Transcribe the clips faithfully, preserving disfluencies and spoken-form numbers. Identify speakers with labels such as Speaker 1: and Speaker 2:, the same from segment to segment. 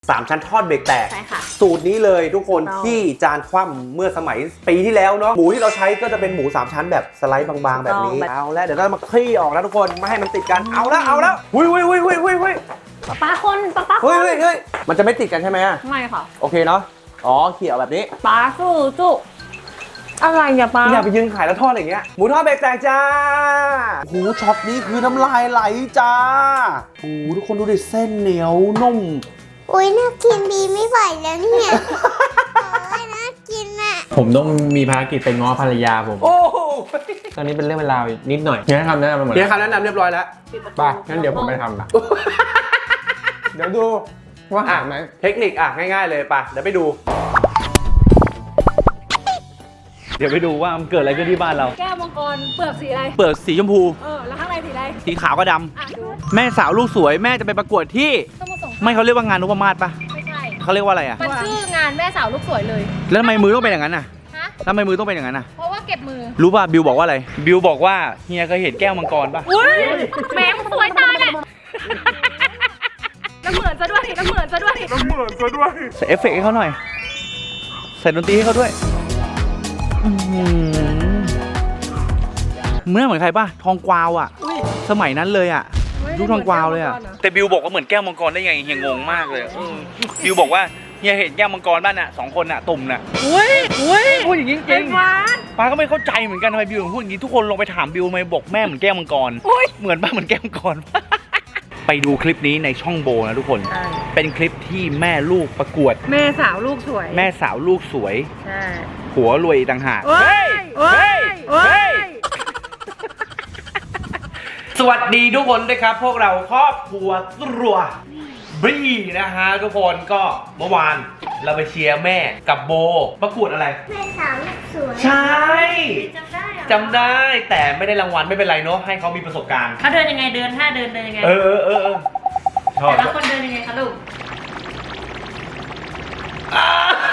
Speaker 1: สามชั้นทอดเบรกแตก
Speaker 2: ใช่ค่ะ
Speaker 1: สูตรนี้เลยทุกคนที่จานคว่ำเมื่อสมัยปีที่แล้วเนาะหมูที่เราใช้ก็จะเป็นหมูสามชั้นแบบสไลด์บางๆแบบนี้เอาแล้วเดี๋ยวเรามาคลี่ออกนะทุกคนไม่ให้มันติดกันเอาแล้วเอาแล้วหุยหุยหุยหุยหุยหุย
Speaker 2: ป้าป้าคนป้าป้าค
Speaker 1: เฮ้ย
Speaker 2: น
Speaker 1: เฮ้ยเฮ้ยมันจะไม่ติดกันใช่ไหม
Speaker 2: ไม่ค่ะ
Speaker 1: โอเคเนาะอ๋อเขี่ยแบบนี้
Speaker 2: ป้าสู้สู้อะไรอย่าป้า
Speaker 1: อย่าไปยืนขายแล้วทอดอะไรอย่างเงี้ยหมูทอดเบรกแตกจ้าหูช็อตนี้คือน้ำลายไหลจ้าโอ้ทุกคนดูดิเส้นเหนียวนุ่ม
Speaker 3: อุ้ยน่ากินบีไม่ไหวแล้วเนี่ย โอ้ยน่ากินอ่ะ
Speaker 4: ผมต้องมีภารกิจไปง้อภรรยาผม
Speaker 1: โอ้โห
Speaker 4: ตอนนี้เป็นเรื่องเวลานิดหน่อยเฮียทำได้ไหมหมด
Speaker 1: เดี๋ยวคำแนะนำเรียบร้อยแล้ว
Speaker 4: ไปงั้นเดี๋ยวผมไปทำละเดี๋ยวดูว่าหาไหม
Speaker 1: เทคนิคอ่ะง่ายๆเลยป่ะเดี๋ยวไปดู
Speaker 5: เดี๋ยวไปดูว่ามันเกิดอะไรขึ้นที่บ้านเรา
Speaker 2: แก้วมังกรเปลือกสีอะไร
Speaker 5: เปลือกสีชมพู
Speaker 2: เออแล้วข้างในสีอะไร
Speaker 5: สีขาวก็ด
Speaker 2: อ่ะดู
Speaker 5: ำแม่สาวลูกสวยแม่จะไปประกวดที่
Speaker 2: สมุทรสงคราม
Speaker 5: ไม่เขาเรียกว่างานนพมาศปะ
Speaker 2: ไม่ใช่
Speaker 5: เขาเรียกว่าอะไรอ่ะ
Speaker 2: มันชื่องานแม่สาวลูกสวยเลย
Speaker 5: แล้วทำไมมือต้องเป็นอย่างนั้นอ่ะ
Speaker 2: ฮะ
Speaker 5: แล้วทำไมมือต้องเป็นอย่างนั้นอ่ะ
Speaker 2: เพราะว่าเก็บมือ
Speaker 5: รู้ป่ะบิวบอกว่าอะไรบิวบอกว่าเฮียเคยเห็นแก้วมังกรป่ะ
Speaker 2: อุ้ยแหมมันสวยตายเนี่ยน้ำเหมือนซะด้วยน้ำเหมือนซะด้วย
Speaker 5: ใส่เอฟเฟกต์ให้เขาหน่อยใส่ดนตรีให้เขาด้วยอื้อหือเมื่อเหมือนใครป่ะทองกวาวอ่ะสมัยนั้นเลยอ่ะ ลูกทองกวาวเลยอ่ะแต่บิวบอกว่าเหมือนแก้วมังกรได้ไงเฮียงงมากเลยเออบิวบอกว่าเฮียเห็นแก้วมังกรบ้านน่ะสองคนน่ะตุ่มน่ะ
Speaker 2: อุ้ยอุ้ย
Speaker 5: พูดอย่างนี้จ
Speaker 2: เป็
Speaker 5: ริ
Speaker 2: น
Speaker 5: ง
Speaker 2: หวาน
Speaker 5: ป้าก็ไม่เข้าใจเหมือนกันทำไมบิวถึงพูดอย่างนี้ทุกคนลองไปถามบิวทำไมบอกแม่เหมือนแก้วมังกรเหมือนป้าเหมือนแก้วมังกร ไปดูคลิปนี้ในช่องโบนะทุกคนเป็นคลิปที่แม่ลูกประกวด
Speaker 2: แม่สาวลูกสวย
Speaker 5: แม่สาวลูกสวย
Speaker 2: ใช่
Speaker 5: ผัวรวยอีกต่างหาก
Speaker 2: โอ้ยโอ้ยโอ้ย
Speaker 1: สวัสดีทุกคนด้วยครับพวกเราครอบครัวตรัวบรีนะฮะทุกคนก็เมื่อวานเราไปเชียร์แม่กับโบประกวดอะไร
Speaker 3: แม่สาวลูกสวย
Speaker 1: ใช่
Speaker 2: จำได้เหรอ
Speaker 1: จำได้แต่ไม่ได้รางวัลไม่เป็นไรเนาะให้เขามีประสบการณ์
Speaker 2: เขาเดินยังไงเดินท่าเดินเดินยังไง
Speaker 1: เออเออเออเออชอบ
Speaker 2: แต่ละคนเดินยังไงคะลูก
Speaker 1: อ่า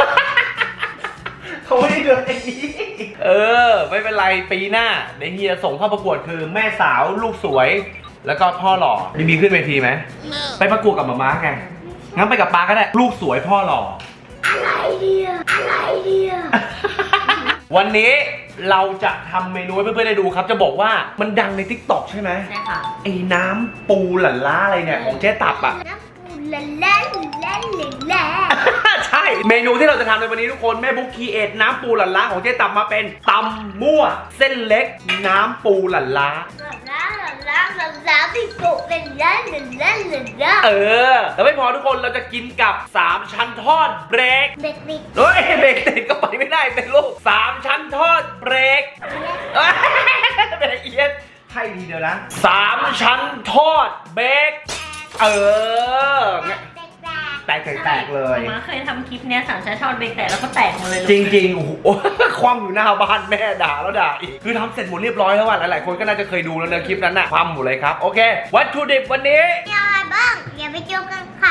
Speaker 1: เขาไม่ได้เดินอย่างนี้เออไม่เป็นไรปีหน้าเดี๋ยวเฮียส่งเข้าประกวดคือแม่สาวลูกสวย แล้วก็พ่อหล่อมีมีขึ้นเวทีไหมไปประกวดกับหมาม้าไงงั้นไปกับป้าก็ได้ลูกสวยพ่อหล่อ
Speaker 3: อะไรเดียอะไรเดีย
Speaker 1: วันนี้เราจะทำเมนูให้เพื่อนๆได้ดูครับจะบอกว่ามันดังใน ทิกต็อก ใช่ไหม
Speaker 2: ใช่ค่ะ
Speaker 1: ไอ้น้ำปูหลั่นล้าอะไรเนี่ยของเจ๊ตับอ่ะ
Speaker 3: น้ำปูละเล่นเล่นเล่นเล่น
Speaker 1: ใช่เมนูที่เราจะทำในวันนี้ทุกคนแม่บุ๊กคีเอทน้ำปูหลั่นล้าของเจ๊ตับมาเป็นตำมั่วเส้นเล็กน้ำปูหลั่นล้า
Speaker 3: ล้าล้าล้าล้าพี่กุเล่นเล่นเล่นเล่นเล่นเล่น
Speaker 1: เออแล้วไม่พอทุกคนเราจะกินกับสามชั้นทอดเบรก
Speaker 3: เบ็ดบิด
Speaker 1: เฮ้ยเบรกติดก็ไปไม่ได้เป็นลูกสามชั้นทอดเบรกเอ้ยเป็นละเอียดให้ดีเดียวนะสามชั้นทอดเบรกเออ
Speaker 3: แตกแตก
Speaker 1: แตกแตกเลย
Speaker 2: มาเคยทำคลิปเนี้ยสามชั้นทอดเบรกแตกแล้วก็แตกหมดเลย
Speaker 1: จริงๆโอ้โห คว่ำอยู่หน้าบ้านแม่ด่าแล้วด่าอีกคือทำเสร็จหมดเรียบร้อยแล้วว่ะหลายๆคนก็น่าจะเคยดูแล้วนะคลิปนั้นน่ะคว่ำหมดเลยครับโอเควัตถุดิบวันนี้
Speaker 3: มีอะไรบ้างอย่าไปเจอกันค่ะ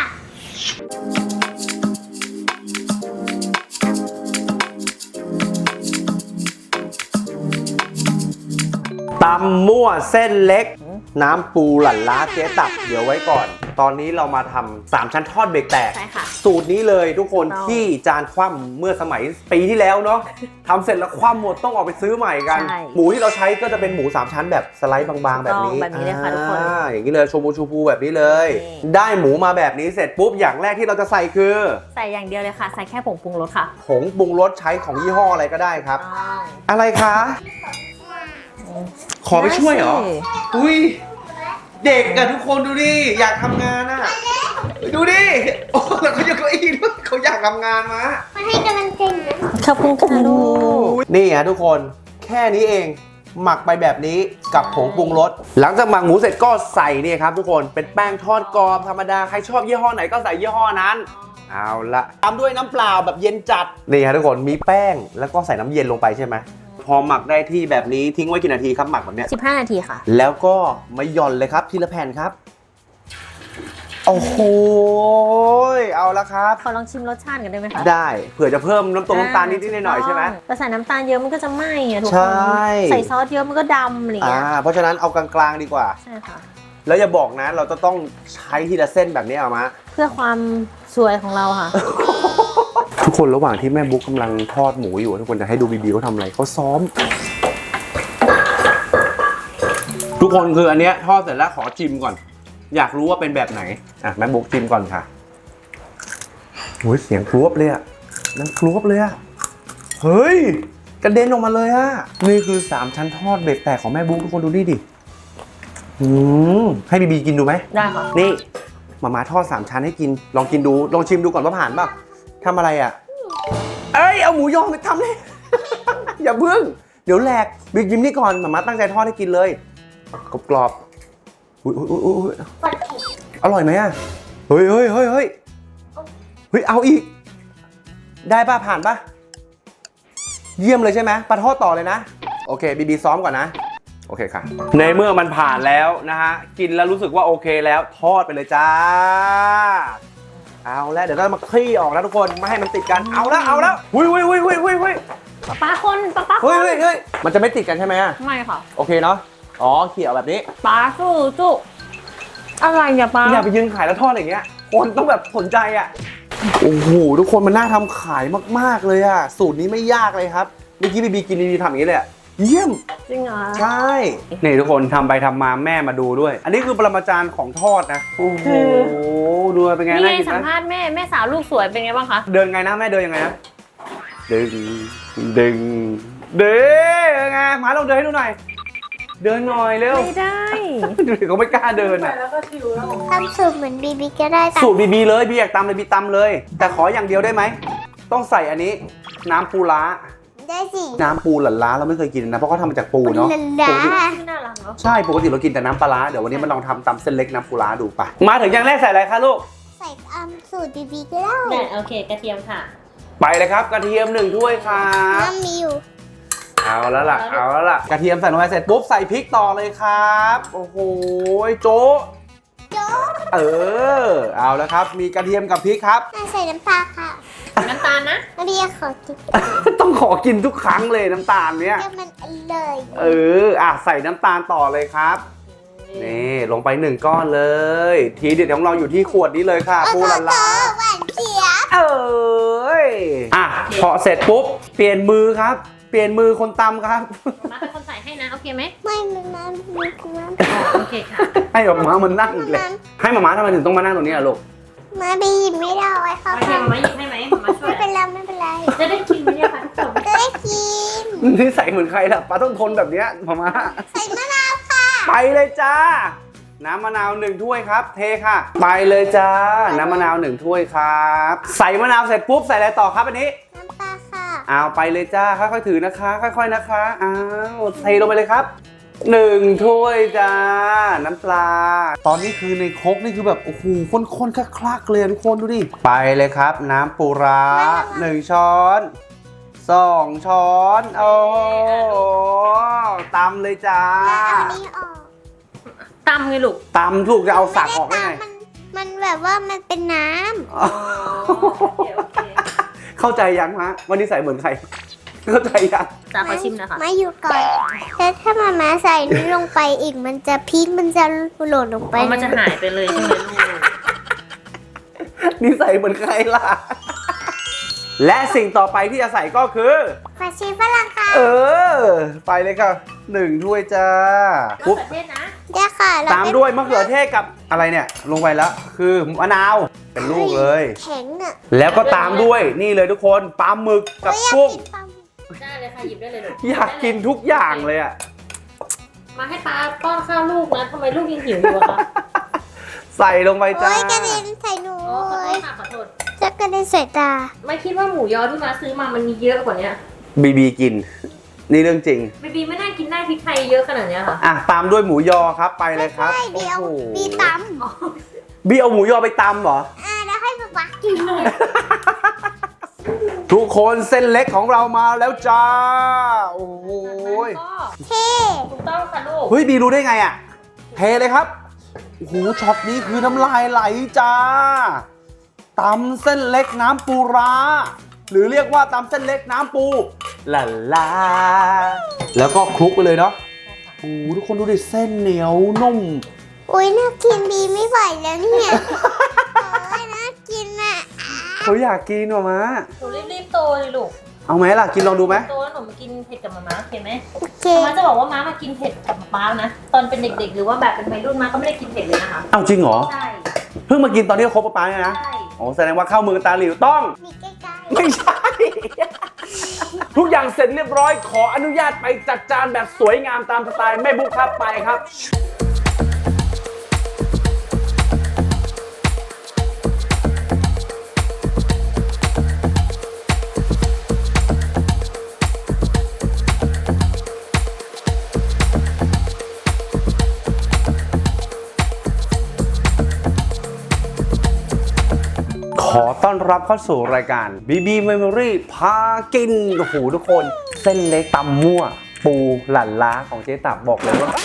Speaker 1: ตำมั่วเส้นเล็กน้ำปูหลั่นล้าเจ๊ตับเดี๋ยวไว้ก่อน ตอนนี้เรามาทำสามชั้นทอดเบรกแตก
Speaker 2: ใช่ค่ะ
Speaker 1: สูตรนี้เลยทุกคน
Speaker 2: ถูกต้อง
Speaker 1: ที่จานคว่ำเมื่อสมัยปีที่แล้วเนาะทำเสร็จแล้วคว่ำหมดต้องออกไปซื้อใหม่กัน
Speaker 2: ใช่
Speaker 1: หมูที่เราใช้ก็จะเป็นหมูสามชั้นแบบสไลด์บางๆ แบบนี้
Speaker 2: แบบนี้เลยค่ะทุกคน
Speaker 1: อ่าอย่างนี้เลยชมพูชูพูแบบนี้เลย
Speaker 2: นี่
Speaker 1: ได้หมูมาแบบนี้เสร็จปุ๊บอย่างแรกที่เราจะใส่คือ
Speaker 2: ใส่อย่างเดียวเลยค่ะ ใส่แค่ผงปรุงรสค่ะ
Speaker 1: ผงปรุงรสใช้ของยี่ห้ออะไรก็ได้ครับ
Speaker 2: ต้อง
Speaker 1: อะไรคะ ขอไปช่วยเหรอ
Speaker 2: ได้สิ
Speaker 1: อุ้ยเด็กอะทุกคนดูดิอยากทำงานอะดูดิโอ้แล้วเขายกเก้าอี้ด้วยเขาอยากทำงานมา
Speaker 3: มาให้กำลังใจหนู
Speaker 2: ขอบคุณค่ะลูก
Speaker 1: นี่ฮะทุกคนแค่นี้เองหมักไปแบบนี้กับผงปรุงรสหลังจากหมักหมูเสร็จก็ใส่นี่ครับทุกคนเป็นแป้งทอดกรอบธรรมดาใครชอบยี่ห้อไหนก็ใส่ยี่ห้อนั้นเอาละตามด้วยน้ำเปล่าแบบเย็นจัดนี่ฮะทุกคนมีแป้งแล้วก็ใส่น้ำเย็นลงไปใช่ไหมพอหมักได้ที่แบบนี้ทิ้งไว้กี่นาทีครับหมักแบบเนี้ย
Speaker 2: สิบห้านาทีค่ะ
Speaker 1: แล้วก็มาหย่อนเลยครับทีละแผ่นครับโอ้โหเอาละครับ
Speaker 2: ขอลองชิมรสชาติกันได้ไหมคะ
Speaker 1: ได้เผื่อจะเพิ่มน้ำตรงน้ำตาลนิดๆหน่อยๆใช่ไหม
Speaker 2: แต่ใส่น้ำตาลเยอะมันก็จะไหม้อะทุก
Speaker 1: ใช
Speaker 2: คน่ ใส่ซอสเยอะมันก็ดำอะไรอย่าง
Speaker 1: อ่า
Speaker 2: เงี้ย
Speaker 1: เพราะฉะนั้นเอากลางๆดีกว่า
Speaker 2: ใช่ค่ะ
Speaker 1: แล้วอย่าบอกนะ เราจะต้องใช้ทีละเส้นแบบนี้เอามา
Speaker 2: เพื่อความสวยของเราค่ะ
Speaker 1: ทุกคนระหว่างที่แม่บุ๊กกำลังทอดหมูอยู่ทุกคนจะให้ดูบีบีเขาทำอะไรเขาซ้อม ทุกคนคืออันเนี้ยทอดเสร็จแล้วขอชิมก่อน อยากรู้ว่าเป็นแบบไหนอ่ะแม่บุ๊กชิมก่อนค่ะโอ้ยเสียงครวบเลยอ่ะนั่งครวบเลยอ่ะเฮ้ยกระเด็นออกมาเลยอ่ะนี่คือสามชั้นทอดเบรกแตกของแม่บุ๊กทุกคนดูนี่ดิอืมให้บีบีกินดูไหม
Speaker 2: ได้ค่ะ
Speaker 1: นี่มาม่าทอดสามชั้นให้กินลองกินดูลองชิมดูก่อนว่าผ่านป่ะทำอะไรอ่ะเอ้ยเอาหมูยอไปทำเลย อย่าเพิ่งเดี๋ยวแหลกบิ๊กยิ้มนี่ก่อนมาม่าตั้งใจทอดให้กินเลยกรอบกรอบๆอุ้ยอุ้ยอุ้ยอุ้ยอร่อยไหมอ่ะเฮ้ยเฮ้ยเฮ้ยเฮ้ยเฮ้ยเอาอีก ได้ป่ะผ่านป่ะเยี่ยมเลยใช่ไหมปลาทอดต่อเลยนะโอเคบีบีซ้อมก่อนนะโอเคค่ะในเมื่อมันผ่านแล้วนะฮะกินแล้วรู้สึกว่าโอเคแล้วทอดไปเลยจ้าเอาแล้วเดี๋ยวเรามาคลี่ออกนะทุกคนไม่ให้มันติดกันเอาแล้วเอาแล้วหุยหุยหุยหุยหุยหุย
Speaker 2: ปลาคนปลาปลาค
Speaker 1: เฮ้ย
Speaker 2: น
Speaker 1: เฮ้ยเฮ้ยมันจะไม่ติดกันใช่ไหมอะ
Speaker 2: ไม่ค่ะ
Speaker 1: โอเคเนาะอ๋อเขี่ยแบบนี้
Speaker 2: ปลาสู้สู้อะไรเนี่ยปลา
Speaker 1: อย่าไปยืนขายแล้วทอดอย่างเงี้ยคนต้องแบบสนใจอ่ะโอ้โหทุกคนมันน่าทำขายมากๆเลยอ่ะสูตรนี้ไม่ยากเลยครับเมื่อกี้บีบีกินบีบีทำอย่างนี้เลยอะเยี่ยม
Speaker 2: จริงเหรอ
Speaker 1: ใช่นี่ทุกคนทำไปทำมาแม่มาดูด้วย อันนี้คือปรมาจารย์ของทอดนะโอ้โหดูเป็นไง
Speaker 2: นี่
Speaker 1: น่า
Speaker 2: ไง
Speaker 1: กิน
Speaker 2: สัม
Speaker 1: นะ
Speaker 2: ภาษณ์แม่แม่สาวลูกสวยเป็นไงบ้างคะ
Speaker 1: เดินไงนะแม่เดินยังไงนะดึงดึงเดินยังไงมาลองเดินให้ดูหน่อยเดินหน่อยเร็ว
Speaker 2: ไม่ได้
Speaker 1: ดูดิเขาไม่กล้าเดินอ่ะ
Speaker 3: ทำสูตรเหมือนบีบีก็ได้แต่
Speaker 1: สูตรบีบีเลยบีอยากตำเลยบีตำเลย แต่ขออย่างเดียวได้ไหมต้องใส่อันนี้น้ำปูล้า
Speaker 3: ได้สิ
Speaker 1: น้ำปูหลั่นล้าเราไม่เคยกินนะเพราะเขาทำมาจากปูเนาะ
Speaker 3: ลาลา
Speaker 1: ปกติ
Speaker 2: น่ารักเนาะ
Speaker 1: ใช่ปกติเรากินแต่น้ำปลาร้าเดี๋ยววันนี้มาลองทำตำเส้นเล็กน้ำปูล้าดูไปมาถึงอย่างแรกใส่อะไรคะลูก
Speaker 3: ใส่ตามสูตรบีบีก็ได้
Speaker 2: แต่โอเคกระเทียมค่ะ
Speaker 1: ไปเลยครับกระเทียมหนึ่งถ้วยครับ
Speaker 3: น้ำมีอยู่
Speaker 1: เอาแล้วล่ะเอาแล้วล่ะกระเทียมใส่ลงไปเสร็จปุ๊บใส่พริกต่อเลยครับโอ้โหโจ๊ะ
Speaker 3: โจ๊ก
Speaker 1: เออเอาแล้วครับมีกระเทียมกับพริกครับ
Speaker 3: น่าใส่น้ำปลาค่ะ
Speaker 2: น้ำตาลนะ
Speaker 3: น้ำเบียร์ขอกิน
Speaker 1: ต้องขอกินทุกครั้งเลยน้ำตาลเนี้ย
Speaker 3: เดี๋ยวมันอร่อย
Speaker 1: เอออ่ะใส่น้ำตาลต่อเลยครับนี่ลงไปหนึ่งก้อนเลย ทีเด็ดของเราอยู่ที่ขวดนี้เลยค่ะปูหลั่นล้า
Speaker 3: หวานเจี๊ยบ
Speaker 1: เอ้ยอ่ะพอเสร็จปุ๊บเปลี่ยนมือครับ เปลี่ยนมือคนตำครับ
Speaker 2: มาเป็นคนใส่ให้นะ โอเคไหม
Speaker 3: ไม่มันน้ำมีน้ำ
Speaker 2: อ๋อโอเคค่ะ
Speaker 1: ให้หมาม้ามันนั่งอีกเลยให้หมาม้าทำไมถึงต้องมานั่งตรงนี้อ่ะลูก
Speaker 3: มาบีบไม่ได้ไว้ค่ะ
Speaker 2: โอเคมามาหยิบให้ไหมมาช่ว
Speaker 3: ไม่
Speaker 2: ย
Speaker 3: เป็นไรไม่เป็นไร
Speaker 2: จะได้กินไหมเนี่ยคะทุกคน
Speaker 3: จะได้กิน
Speaker 1: นี่ใส่เหมือนใครล่ะป้าต้องทนแบบเนี้ยหมาม้า
Speaker 3: ใส่มะนาวค่ะ
Speaker 1: ไปเลยจ้า น้ำมะนาวหนึ่งถ้วยครับ เทค่ะ ไปเลยจ้า น้ำมะนาวหนึ่งถ้วยครับ ใส่มะนาวเสร็จปุ๊บใส่อะไรต่อครับอันนี้
Speaker 3: น้ำปลาค่ะ
Speaker 1: เอาไปเลยจ้าค่อยๆถือนะคะ ค่อยๆนะคะอ้าวเทลงไปเลยครับหนึ่งถ้วยจ้าน้ำปลา ตอนนี้คือในครกนี่คือแบบโอ้โหข้นๆคลักๆเลยทุกคนดูดิไปเลยครับ น้ำปูร้าหนึ่งช้อนสองช้อนโอ้ตำเลยจ้า
Speaker 3: แล้วเอานี้ออก
Speaker 2: ตำไงลูก
Speaker 1: ตำถูกจะเอาสักออกได้ไง
Speaker 3: มันมันแบบว่ามันเป็นน้
Speaker 2: โอเคโอเค
Speaker 1: เข้าใจยังฮะวันนี้ใส่เหมือนใคร เข้าใจยัง
Speaker 2: จ้า
Speaker 3: ำ
Speaker 2: ขอชิมหนะคะ
Speaker 3: มาอยู่ก่อนแล้วถ้ามามาใส่นี้ลงไปอีกมันจะพริกมันจะหล่นลงไป
Speaker 2: อ๋อมันจะหายไปเลยใช่ไหมลูก
Speaker 1: นี่ใส่เหมือนใครล่ะ และสิ่งต่อไปที่จะใส่ก็คือ
Speaker 3: ผักชีฝรั่งค่ะ
Speaker 1: เออ ไปเลยค่ะหนึ่งถ้วยจ้าม
Speaker 2: ะ
Speaker 1: ปุ๊บ
Speaker 2: เขือเทศนะ
Speaker 3: เดี๋ยวค่ะแล้
Speaker 1: ตามด้วยมะเขือเทศกับอะไรเนี่ย ลงไปแล้ว คือมะนาวเป็นลูกเลย
Speaker 3: แข็งอ่ะ
Speaker 1: แล้วก็ตามด้วยนี่เลยทุกคนปลาหมึกกับ
Speaker 3: ไม่อยาก
Speaker 1: กุ้ง
Speaker 3: กินปลาหมึก
Speaker 2: ได้เลยค่ะหยิบได้เลยลูก
Speaker 1: อยากกินทุกอย่างเลยอ่ะ
Speaker 2: มาให้ป้าป้อนข้าวลูกนะทำไมลูกยังหิวอยู่อะคะ
Speaker 1: ใส่ลงไปจ้า
Speaker 3: โอ้ยกระเด็นใส่หนู
Speaker 2: อ๋อขอ
Speaker 3: เล
Speaker 2: โทษ
Speaker 3: ย
Speaker 2: ค่ะขอโทษ
Speaker 3: จะกระเด็นใส่ตา
Speaker 2: ไม่คิดว่าหมูยอที่มาซื้อมามันมีเยอะกว่านี้
Speaker 1: บีบีกิน นี่เรื่องจริง
Speaker 2: บีบีไม่น่ากินได้พริกไทยเยอะขนาดเนี้ยค่ะ
Speaker 1: อ่ะตามด้วยหมูยอครับไปเลยครับ
Speaker 3: ใช่เดี๋ยว
Speaker 1: โอ้โห
Speaker 3: บีต
Speaker 1: บีเอาหมูยอไปตำเหรอ
Speaker 3: ำอ่าแล้วให้ป๊าป๊ากินเลย
Speaker 1: ทุกคนเส้นเล็กของเรามาแล้วจ้า โอ้โหย
Speaker 3: เท่
Speaker 2: ถูกต้องค่ะลูก
Speaker 1: เฮ้ยบีรู้ได้ไงอ่ะเทเลยครับโอ้โหช็อตนี้คือน้ำลายไหลจ้าตำเส้นเล็กน้ำปูร้าหรือเรียกว่าตำเส้นเล็กน้ำปูลาลาแล้วก็คลุกไปเลยเนาะโอ้โหทุกคนดูดิเส้นเหนียวนุ่ม
Speaker 3: อุ้ยน่ากินบีไม่ไหวแล้วเนี่ยโอ้ยน่ากินอ่ะ
Speaker 1: เขาอยากกินว่ะม้า
Speaker 2: หนูรีบๆโตเลยลูก
Speaker 1: เอาไหมล่ะกินลองดูไหม
Speaker 2: โตแล้วหนูมากินเผ็ดกับมาม่าโอเคไหม
Speaker 3: โอเค
Speaker 2: ม้าจะบอกว่าม้ามากินเผ็ดกับป๊านะ ตอนเป็นเด็กๆ หรือว่าแบบเป็นวัยรุ่นม้าก็ไม่ได้กินเผ็ดเลยนะคะ
Speaker 1: เอาจริงเหรอ
Speaker 2: ใช่
Speaker 1: เพิ่งมากินตอนที่เขาคบป๊าเนี่ยนะ
Speaker 2: ใช่
Speaker 1: โอ้แสดงว่าเข้ามือตาหลิวต้อง
Speaker 3: มีใกล้
Speaker 1: ไม่ใช่ ทุกอย่างเสร็จเรียบร้อยขออนุญาตไปจัดจานแบบสวยงามตามสไตล์แม่บุ๊กครับไปครับ ขอต้อนรับเข้าสู่รายการ บี บี Memory พากิน โอ้โหทุกคน เส้นเล็กตำมั่ว ปูหลั่นล้าของเจ๊ตับบอกเลยว่า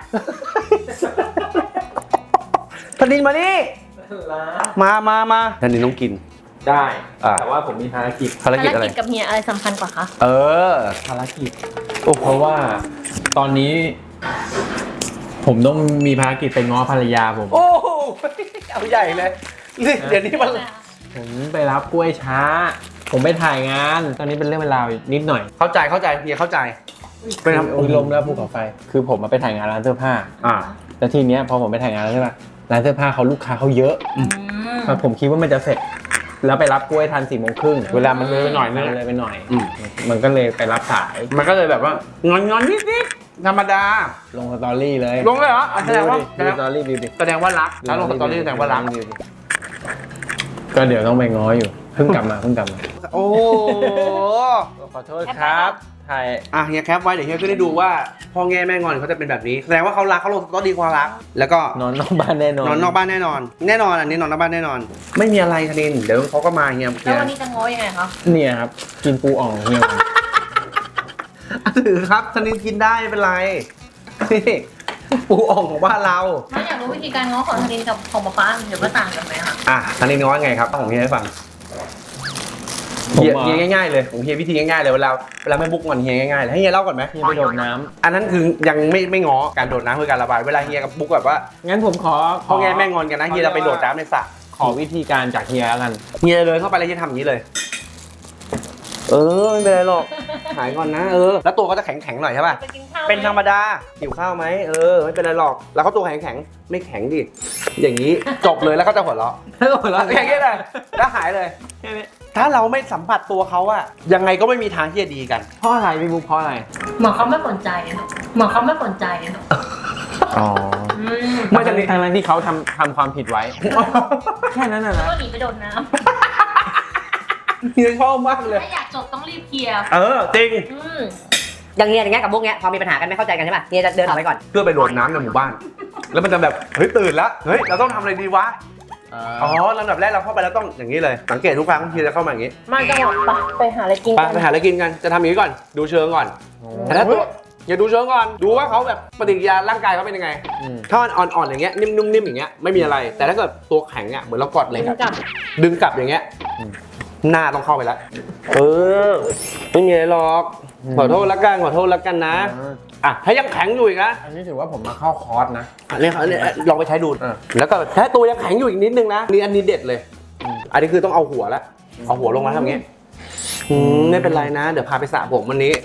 Speaker 1: ธนินมานี่ มามามาธนินต้องกิน
Speaker 4: ได้
Speaker 1: อ่ะ
Speaker 4: แต่ว่าผมมีภารกิจ
Speaker 1: ภารกิจอะไร
Speaker 2: กับเฮียอะไรสำคัญกว่าคะ
Speaker 1: เออ
Speaker 4: ภารกิจเพราะว่าตอนนี้ ผมต้องมีภารกิจไปง้อภรรยาผม
Speaker 1: โอ้โหเอาใหญ่เลยนี่เดี๋ยวนี้มัน
Speaker 4: ผมไปรับกล้วยช้า ผมไปถ่ายงาน ตอนนี้เป็นเรื่องเวลานิดหน่อย
Speaker 1: เข้าใจเข้าใจเฮียเข้าใจ
Speaker 4: เป็นโอ้ยลมแล้วภูเขาไฟ คือผมมาไปถ่ายงานร้านเสื้อผ้า
Speaker 1: อ่า
Speaker 4: แล้วทีเนี้ยพอผมไปถ่ายงานร้านเสื้อผ้าร้านเสื้อผ้าเขาลูกค้าเขาเยอะ
Speaker 2: อืม
Speaker 4: ผมคิดว่ามันจะเสร็จ แล้วไปรับกล้วยทันสี่โมงครึ่งเวลามันเลยไปหน่อยนึงเลยไปหน่อย
Speaker 1: อืม
Speaker 4: มันก็เลยไปรับสาย
Speaker 1: มันก็เลยแบบว่างอนงอนนิดนิดธรรมดา
Speaker 4: ลงสตอรี่เลย
Speaker 1: ลงเลยเหรออ่ะแสดงว่า
Speaker 4: ดู
Speaker 1: แส
Speaker 4: ดิ
Speaker 1: ด
Speaker 4: ดู
Speaker 1: ง
Speaker 4: สตอรี่ดูดิ
Speaker 1: แสดงว่ารักถ้าลงสตอรี่แสดงว่ารัก
Speaker 4: ดูดิก็เดี๋ยวต้องไปง้ออยู่เพิ่งกลับมาเพิ่งกลับมา
Speaker 1: โอ้
Speaker 4: ขอโทษครับถ่าย
Speaker 1: อ่ะเฮียแคปไว้เดี๋ยวเฮียก็ได้ดูว่าพ่อแง่แม่งอนเขาจะเป็นแบบนี้แสดงว่าเขารักเขาลงสตอรี่ความรัก แล้วก็
Speaker 4: นอนนอกบ้านแน่นอน
Speaker 1: นอนนอกบ้านแน่นอน แน่นอนอันนี้นอนนอกบ้านแน่นอน ไม่มีอะไรธนินเดี๋ยวเขาก็มาเฮีย
Speaker 2: แล้ววันนี้จะง้อยังไงคะ
Speaker 4: เนี่ยครับกินปูอ่องเฮีย
Speaker 1: อ่ะถือครับธนินกินได้ไม่เป็นไรนี่ปูอ่องของบ้านเรา
Speaker 2: ม้าอยากรู้วิธีการง้อของธนินกับของป๊าป๊าเดี๋ยวว่าต่างกันไหมคะ
Speaker 1: อ่ะธนินง้อไงครับต้องของเฮียให้ฟัง
Speaker 4: ผม
Speaker 1: เฮีย
Speaker 4: อ่ะ
Speaker 1: เฮียง่ายๆเลยของเฮียวิธีง่ายๆเลยเวลาเวลาไม่บุกงอนเฮียง่ายๆเลยให้เฮียเล่าก่อนไหม
Speaker 4: เฮียไปโดดน้ำ
Speaker 1: อันนั้นคือยังไม่ไม่ง้อการโดดน้ำคือการระบายเวลาเฮียกับบุ๊กแบบว่า
Speaker 4: งั้นผมขอ
Speaker 1: พ่อแง่แม่งอนกันนะเฮียจะไปโดดน้ำในสระ
Speaker 4: ขอวิธีการจากเฮียแล้วกัน
Speaker 1: เฮียเดินเข้าไปแล้วเฮียทำอย่างนี้เลย เออไม่เป็นไรหรอกหายก่อนนะเออแล้วตัวก็จะแข็งแข็งๆหน่อยใช่ป่ะ
Speaker 2: ไปกินข้าวไหม
Speaker 1: เป็นธรรมดาหิวข้าวไหมเออไม่เป็นไรหรอกแล้วเขาตัวแข็งแข็งๆไม่แข็งดิอย่างนี้จบเลยแล้วก็จะหัวเราะ
Speaker 4: แล้วหัวเราะ
Speaker 1: อย่างนี้เลยแล้วหายเลย ถ้าเราไม่สัมผัสตัวเขาอะยังไงก็ไม่มีทางที่จะดีกัน
Speaker 4: เพราะอะไรพี่บุ๊คเพราะอะไร
Speaker 2: เหมือนเขาไม่สนใจอะเหมือนเขาไม่สนใจอะ
Speaker 4: อ๋อ
Speaker 2: อืม
Speaker 4: ไม่จากนี้ทางนั้นที่เขาทำทำความผิดไว้ แค่นั้นน่ะ
Speaker 2: แล้ว
Speaker 4: นะ
Speaker 2: ก็หนีไปโดนน้
Speaker 1: เฮียชอบมาก
Speaker 2: ำ
Speaker 1: เลย
Speaker 2: ถ้าอยากจบต้องรีบเคลียร์
Speaker 1: เออจริง
Speaker 2: อืม
Speaker 6: อย่างเงี้ยอย่างเงี้ยกับพวกเงี้ยพอมีปัญหากันไม่เข้าใจกันใช่ป่ะเฮียจะเดินออกไปก่อน
Speaker 1: เพื่อไปโดดน้ำในหมู่บ้าน แล้วมันจะแบบเฮ้ยตื่นแล้วเฮ้ยเราต้องทำอะไรดีวะอ๋อลำดับแรกเราเข้าไปแล้วต้องอย่างนี้เลยสังเกตทุกครั้งที่จะเข้ามาอย่างนี้
Speaker 2: มันจะบอกไปไปหาอะไรกิน
Speaker 1: ไป
Speaker 2: กัน
Speaker 1: ไปหาอะไรกินกันจะทำอย่างนี้ก่อนดูเชิงก่อนแต่ถ้าตัวอย่าดูเชิงก่อนดูว่าเขาแบบปฏิกิริยาร่างกายเขาเป็นยังไง
Speaker 4: อืม
Speaker 1: ถ้ามันอ่อนๆอย่างเงี้ยนิ่มๆนิ่มอย่างเงี้ยไม่มีอะไร แต่ถ้าเกิดตัวแข็งอ่ะเหมือนเรากดเหล็ก
Speaker 2: กิน
Speaker 1: อะ
Speaker 2: กับ
Speaker 1: ดึงกลับอย่างเงี้ย
Speaker 4: อืม
Speaker 1: หน้าต้องเข้าไปแล้วเออไม่มีอะไรหรอก
Speaker 4: อืม
Speaker 1: ขอโทษละกันขอโทษละกันนะอ่ะถ้ายังแข็งอยู่อีกนะ
Speaker 4: อันนี้ถือว่าผมมาเข้าคอร์สนะ
Speaker 1: อันนี้อันนี้ลองไปใช้ดู
Speaker 4: อ่ะ
Speaker 1: แล้วก็ถ้าตัวยังแข็งอยู่อีกนิดนึงนะนี่อันนี้เด็ดเลย
Speaker 4: อืม
Speaker 1: อันนี้คือต้องเอาหัวแล้วเอาหัวลงมาทำอย่างงี้อืมไม่เป็นไรนะ เดี๋ยวพาไปสระผมวันนี้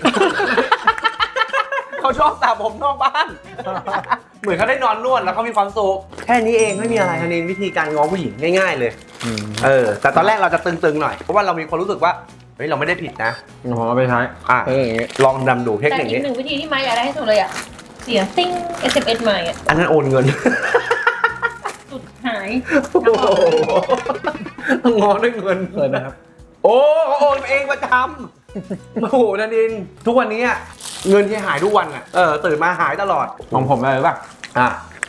Speaker 1: เขาชอบสระผมนอกบ้าน เหมือนเขาได้นอนนวดแล้วเขามีความสุขแค่นี้เองไม่มีอะไรทันินวิธีการง้อผู้หญิงง่าย ๆ เลย
Speaker 4: อืม
Speaker 1: เออแต่ตอนแรกเราจะตึงๆหน่อยเพราะว่าเรามีความรู้สึกว่าเฮ้ยเราไม่ได้ผิดนะ
Speaker 4: ผมเอาไปใช้
Speaker 1: อ่ะ
Speaker 4: เอออย่างเงี้ย
Speaker 1: ลองดำดูเทค
Speaker 2: แต่
Speaker 1: นิค
Speaker 2: อีก
Speaker 1: นี้
Speaker 2: หนึ่งวิธีที่มาอยากได้ที่สุดเลยอ่ะ เสียงติ้ง เอส เอ็ม เอส มาอ่ะ
Speaker 1: อันนั้นโอนเงิน
Speaker 2: สุดหาย
Speaker 1: โอ้โหต้องง้อด้วยเงิน
Speaker 4: เปิดนะครับ
Speaker 1: โอ้เขาโอนเองประจำโอ้โหนันดินทุกวันนี้อะเงินที่หายทุกวันอ่ะเออตื่นมาหายตลอด
Speaker 4: ของผมอะไรรู้ป่ะ
Speaker 1: อ่ะ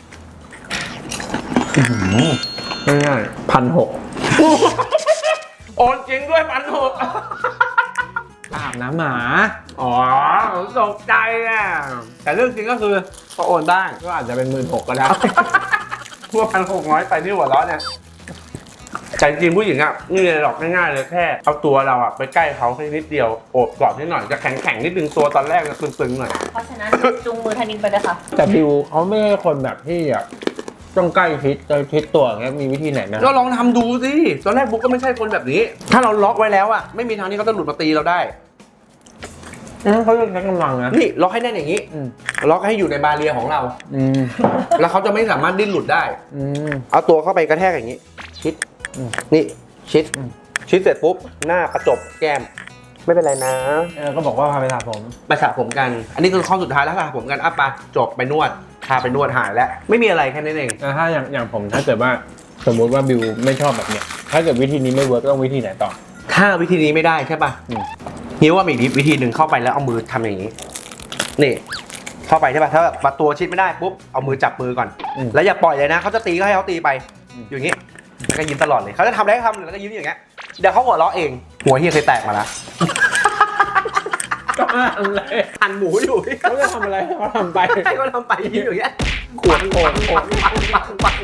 Speaker 4: ง่ายๆพันหก
Speaker 1: โอนจริงด้วยพันหก
Speaker 4: อาบน้ำหมา
Speaker 1: อ๋อผมตกใจอ่ะแต่เรื่องจริงก็คือก็โอนได้
Speaker 4: ก็อาจจะเป็นหมื่นหกก็ได้
Speaker 1: ทั่วพันหกน้อยไปที่หัวเราะเนี่ยแต่จริงผู้หญิงอ่ะนี่เลยหรอกง่ายๆเลยแค่เอาตัวเราอ่ะไปใกล้เขาแค่นิดเดียวโอบกอดนิดหน่อยจะแข็งๆนิดนึงตัวตอนแรกจะตึงๆหน่อย
Speaker 2: เพราะฉะนั้นจูงมือธนินไปเลยค่ะ
Speaker 4: แต่บิวเขาไม่ใช่คนแบบที่แบบต้องใกล้ชิดใกล้ชิดตัวอย่างเงี้ยมีวิธีไหนไหม
Speaker 1: ก็ลองทำดูสิตอนแรกบุ๊กก็ไม่ใช่คนแบบนี้ ถ้าเราล็อกไว้แล้วอะไม่มีทางที่เขาจะหลุดมาตีเราได้
Speaker 4: อืมเขาเรียกใช้กำลังนะ
Speaker 1: นี่ล็อกให้แน่นอย่างนี้
Speaker 4: อืม
Speaker 1: ล็อกให้อยู่ในบาเรียของเรา
Speaker 4: อืม
Speaker 1: แล้วเขาจะไม่สามารถดิ้นหลุดได้
Speaker 4: อืม
Speaker 1: เอาตัวเข้าไปกระแทกอย่างนี้ ชิด
Speaker 4: อืม
Speaker 1: นี่ชิด
Speaker 4: อืม
Speaker 1: ชิดเสร็จปุ๊บหน้าประจบแก้ม ไม่เป็นไรนะ
Speaker 4: เออก็บอกว่าพาไปสระผม
Speaker 1: ไปสระผมกัน อันนี้คือข้อสุดท้ายแล้วสระผมกันอ่ะไปจบไปนวดพาไปนวดหายแล้วไม่มีอะไรแค่นั้นเอง
Speaker 4: แล้วถ้าอย่างอย่างผมถ้าเกิดว่าสมมุติว่าบิวไม่ชอบแบบเนี้ยถ้าเกิดวิธีนี้ไม่เวิร์กต้องวิธีไหนต่อ
Speaker 1: ถ้าวิธีนี้ไม่ได้ใช่ป่ะ
Speaker 4: อืม
Speaker 1: นิ้วว่ามีอีกวิธีหนึ่งเข้าไปแล้วเอามือทำอย่างนี้ นี่ เข้าไปใช่ป่ะถ้าแบบตัวชิดไม่ได้ปุ๊บเอามือจับมือก่อน
Speaker 4: อืม
Speaker 1: แล้วอย่าปล่อยเลยนะเขาจะตีก็ให้เขาตีไป
Speaker 4: อืม
Speaker 1: อยู่อย่างนี้แล้วก็ยิ้มตลอดเลยเขาจะทำอะไรก็ทำแล้วก็ยิ้มอย่างเงี้ยเดี๋ยวเขาหัวเราะเองหัวเฮียเคยแตกมาแล้ว
Speaker 4: ก็อะไร
Speaker 1: หั่นหมูอยู่
Speaker 4: เขาจะทำอะไรเขาทำไป
Speaker 1: ให้เขาทำไปยิ้มอย่างเงี้ยขวดโอนโอนปังปังปัง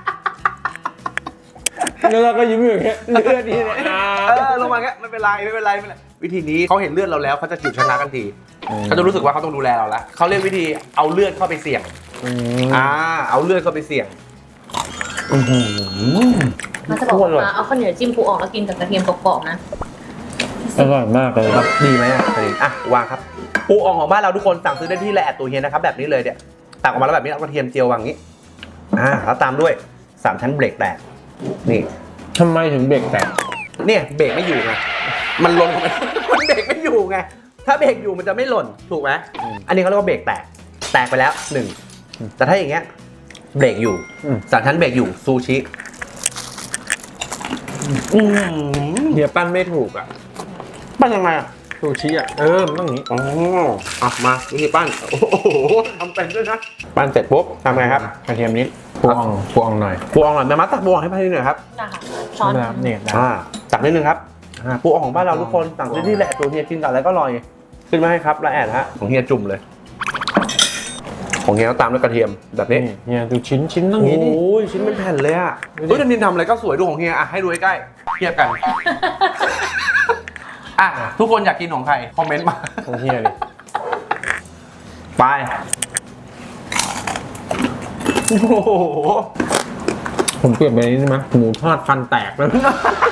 Speaker 4: แล้วเราก็ยิ้มอยู่อย่างเงี้ยเลือดนี่เนี่ยอ่า
Speaker 1: เออลงมาเงี้ยไม่เป็นไรไม่เป็นไรไม่เป็นไรวิธีนี้เขาเห็นเลือดเราแล้วเขาจะหยุดชะงักทันทีเขาจะรู้สึกว่าเขาต้องดูแลเราแล้วเขาเรียกวิธีเอาเลือดเข้าไปเสี่ยง
Speaker 4: อืม
Speaker 1: อ่าเอาเลือดเข้าไปเสี่ยง
Speaker 2: มันจะบอกว่าเอาข้าวเหนียวจิ้มปูออกแล้วกินกับกระเทียมกรอบๆนะ
Speaker 4: อร่อยมากเลยครับ
Speaker 1: ดีไหมอ่ะดีอ่ะวางครับปูอ่องของบ้านเราทุกคนสั่งซื้อได้ที่แลแอดตัวเฮียนะครับแบบนี้เลยเนี่ยตักออกมาแล้วแบบนี้เอากระเทียมเจียววางอย่างนี้อ่าแล้วตามด้วยสามชั้นเบรกแตกนี่
Speaker 4: ทำไมถึงเบรกแตก
Speaker 1: เนี่ยเบรกไม่อยู่ไงมันหล่น มันเบรกไม่อยู่ไงถ้าเบรกอยู่มันจะไม่หล่นถูกไหมอันนี้เขาเรียกว่าเบรกแตกแตกไปแล้วหนึ่งแต่ถ้าอย่างเงี้ยเบรกอยู่สามชั้นเบรกอยู่ซูชิอืม
Speaker 4: เฮียปั้นไม่ถูกอ่ะ
Speaker 1: ปั้นยังไงอ่ะ
Speaker 4: ซูชิอ่ะเออมันต้องอย่างนี้
Speaker 1: อ๋ออ่ะมาวิธีปั้นโอ้โหทำเป็นด้วยนะปั้นเสร็จปุ๊บทำไงครับ
Speaker 4: กระเทียมนิดพวงพวงหน่อย
Speaker 1: ปูอ่องหน่อยแม่มัดตักปูอ่องให้พี่หน่อยครับ
Speaker 2: นะคะช้อน
Speaker 4: นะครับเนี่ยนะ
Speaker 1: อ่าตักนิดนึงครับอ่าปูอ่องของบ้านเราทุกคนสั่งซื้อที่แหละตัวเฮียกินกับอะไรก็อร่อยขึ้นมาให้ครับแล้วแอดฮะของเฮียจุ่มเลย ของเฮียก็ตามด้วยกระเทียมแบบนี้
Speaker 4: นี่เฮียดูชิ้นชิ้นต้อง
Speaker 1: โอ
Speaker 4: อย่างนี้ดิ
Speaker 1: ้ยชิ้นเป็นแผ่นเลยอ่ะ
Speaker 4: ดูดิ
Speaker 1: เฮ้ยดันนินทำอะไรก็สวยดูของเฮียอ่ะให้ดูใกล้ๆเทียบกันอ่ะทุกคนอยากกินของใครคอมเมนต์มา
Speaker 4: ของเฮียดิ
Speaker 1: ไปโอ้โห
Speaker 4: ผมเปลี่ยนไปนี้ได้ไหมหมูทอดฟันแตกแล้ว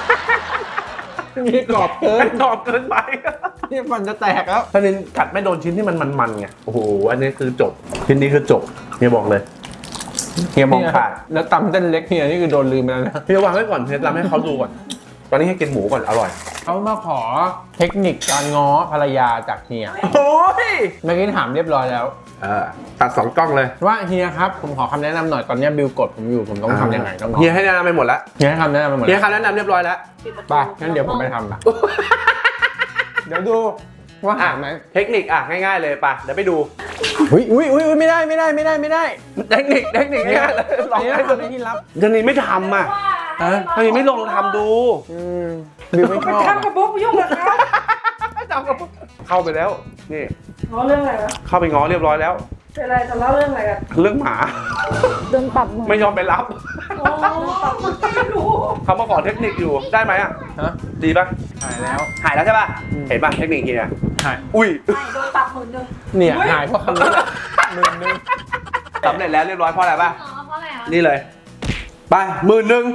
Speaker 4: นี่กรอบเกิน
Speaker 1: ตอบเกินไป
Speaker 4: นี่ฟันจะแตกแล้ว
Speaker 1: ถ้านินกัดไม่โดนชิ้นที่มันมันๆไงโอ้โหอันนี้คือจบชิ้นนี้คือจบเฮียบอกเลยเฮียมองขาด
Speaker 4: แล้วตำเส้นเล็กเฮียนี่คือโดนลืมไปแล้วนะ
Speaker 1: เฮียวางไว้ก่อนเฮียทำให้เขาดูก่อนตอนนี้ให้กินหมูก่อนอร่อย
Speaker 4: เขามาขอเทคนิคการง้อภรรยาจากเฮีย
Speaker 1: โอ้ย
Speaker 4: เมื่อกี้ถามเรียบร้อยแล้ว
Speaker 1: เออตัดสองกล้องเลย
Speaker 4: ว่าเฮียครับผมขอคำแนะนำหน่อยตอนนี้บิวกดผมอยู่ผมต้องทำยังไงต้องง้อ
Speaker 1: เฮียให้แนะนำไปหมดแล้ว
Speaker 4: เฮียให้คำแนะนำไปหมด
Speaker 1: เฮีย
Speaker 4: แล้ว
Speaker 1: คำแนะนำเรียบร้อยแล้ว
Speaker 4: ไปงั้นเดี๋ยวผมไปทำละเดี๋ยวดูว่าหาไหม
Speaker 1: เทคนิคอ่ะง่ายๆเลยป่ะเดี๋ยวไปดู
Speaker 4: อุ้ยอุ้ยอุ้ยไม่ได้ไม่ได้ไม่ได้ไม่ได้
Speaker 1: เทคนิคเทคนิคง่ายๆเลยลอง
Speaker 4: เฮีย
Speaker 1: ให้
Speaker 4: ทำ
Speaker 1: ดู
Speaker 4: ในที่ลับ
Speaker 1: เดี๋ยวนี้ไม่ทำอ่ะ
Speaker 4: ฮะ
Speaker 1: เฮ้ยไม่ลองทำดู
Speaker 4: อืมบิวไม่ชอบ
Speaker 7: ทำกับบุ๊กยุ่งกับเขา
Speaker 1: จำกับเข้าไปแล้วนี่
Speaker 7: ง้อเรื่องอะไรวะ
Speaker 1: เข้าไปง้อเรียบร้อยแล้ว
Speaker 7: เป็นอะไรทะเลาะเรื่องอะไรกัน
Speaker 1: เรื่องหมา
Speaker 7: โดนปรับมือ
Speaker 1: ไม่ยอมไปรับ
Speaker 7: โอ้ปรับมือไม่รู้
Speaker 1: เขามาขอเทคนิคอยู่ได้ไหมอ่ะ
Speaker 4: ฮะ
Speaker 1: ดีป่ะ
Speaker 4: หายแล้ว
Speaker 1: หายแล้วใช่ป่ะ
Speaker 4: อืม
Speaker 1: เห็นป่ะเทคนิคเฮีย
Speaker 4: หาย
Speaker 1: อุ้ย
Speaker 7: ไม่โดนปรับหมื่นหนึ่ง
Speaker 4: เนี่ยหายเพราะคำนี้แหละหมื่นหนึง
Speaker 1: สำเร็จแล้วเรียบร้อยเพราะอะไรป่ะ
Speaker 2: อ๋อเพราะอะไรอ่ะ
Speaker 1: นี่เลย ไปหมื่นหนึ่ง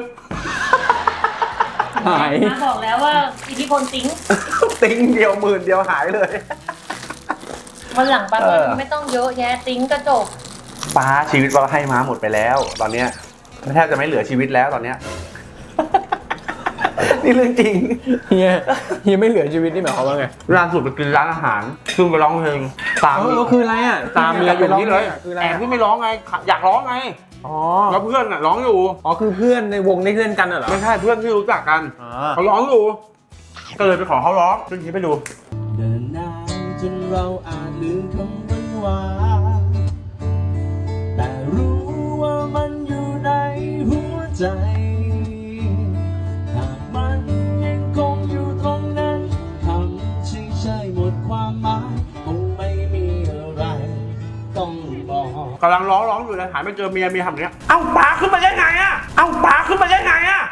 Speaker 4: หาย
Speaker 2: มาบอกแล้วว่าอิทธิพลติ้ง
Speaker 1: ติ้งเดียวหมื่นเดียวหายเลย
Speaker 2: วันหลังป้า
Speaker 1: เออ
Speaker 2: ไม่ต้องเยอะแยะติ้งกระจก
Speaker 1: ป้าชีวิตเราให้ม้าหมดไปแล้ว ตอนเนี้ยแทบจะไม่เหลือชีวิตแล้วตอนเนี้ย นี่เรื่องจริง
Speaker 4: เฮียเฮียไม่เหลือชีวิตนี่หมายความว่าไง
Speaker 1: ล่าสุดไปกินร้านอาหารขึ้นไปร้องเพลงตาม
Speaker 4: เออคืออะไรอ่ะ
Speaker 1: ตามเมียอยู่นี่เลย
Speaker 4: คืออะไร
Speaker 1: แอบ
Speaker 4: อะ
Speaker 1: ที่ไม่ร้องไง อยากร้องไง
Speaker 4: อ๋อ
Speaker 1: แล้วเพื่อนอ่ะร้องอยู่
Speaker 4: อ๋อคือเพื่อนในวงที่เล่นกันน่ะเหรอ
Speaker 1: ไม่ใช่เพื่อนที่รู้จักกัน
Speaker 4: อ๋อ
Speaker 1: เขาร้องอยู่ ก็เลยไปขอเขาร้องซึ่งนี้ไปดู
Speaker 8: เดินนานจนเราอาจลืมคำหวานๆแต่รู้ว่ามันอยู่ในหัวใจหากมันยังคงอยู่ตรงนั้นคำชื่อใช่หมดความหมายคงไม่มีอะไรต้องบอก
Speaker 1: กำลังร้องร้องอยู่เลยหายไปเจอเมียเมียทำอย่างเนี้ย เอ้าปาขึ้นมาได้ไงอ่ะ เอ้าปาขึ้นมาได้ไงอ่ะ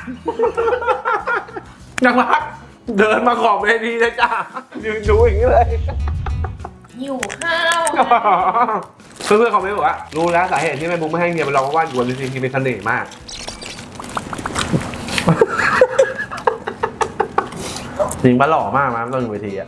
Speaker 1: นักรักเดินมาขอบเวทีเลยจ้ายืนดูอย่างนี้เลย
Speaker 2: หิวข้าว
Speaker 1: เเพื่อนๆเขาไม่บอกว่ารู้แล้วสาเหตุที่แม่บุ๊กไม่ให้เฮียไปลองเพราะว่าอยู่บนเวทีเฮียเป็นเสน่ห์มากจริงปะหล่อมากนะตอนอยู่เวทีอะ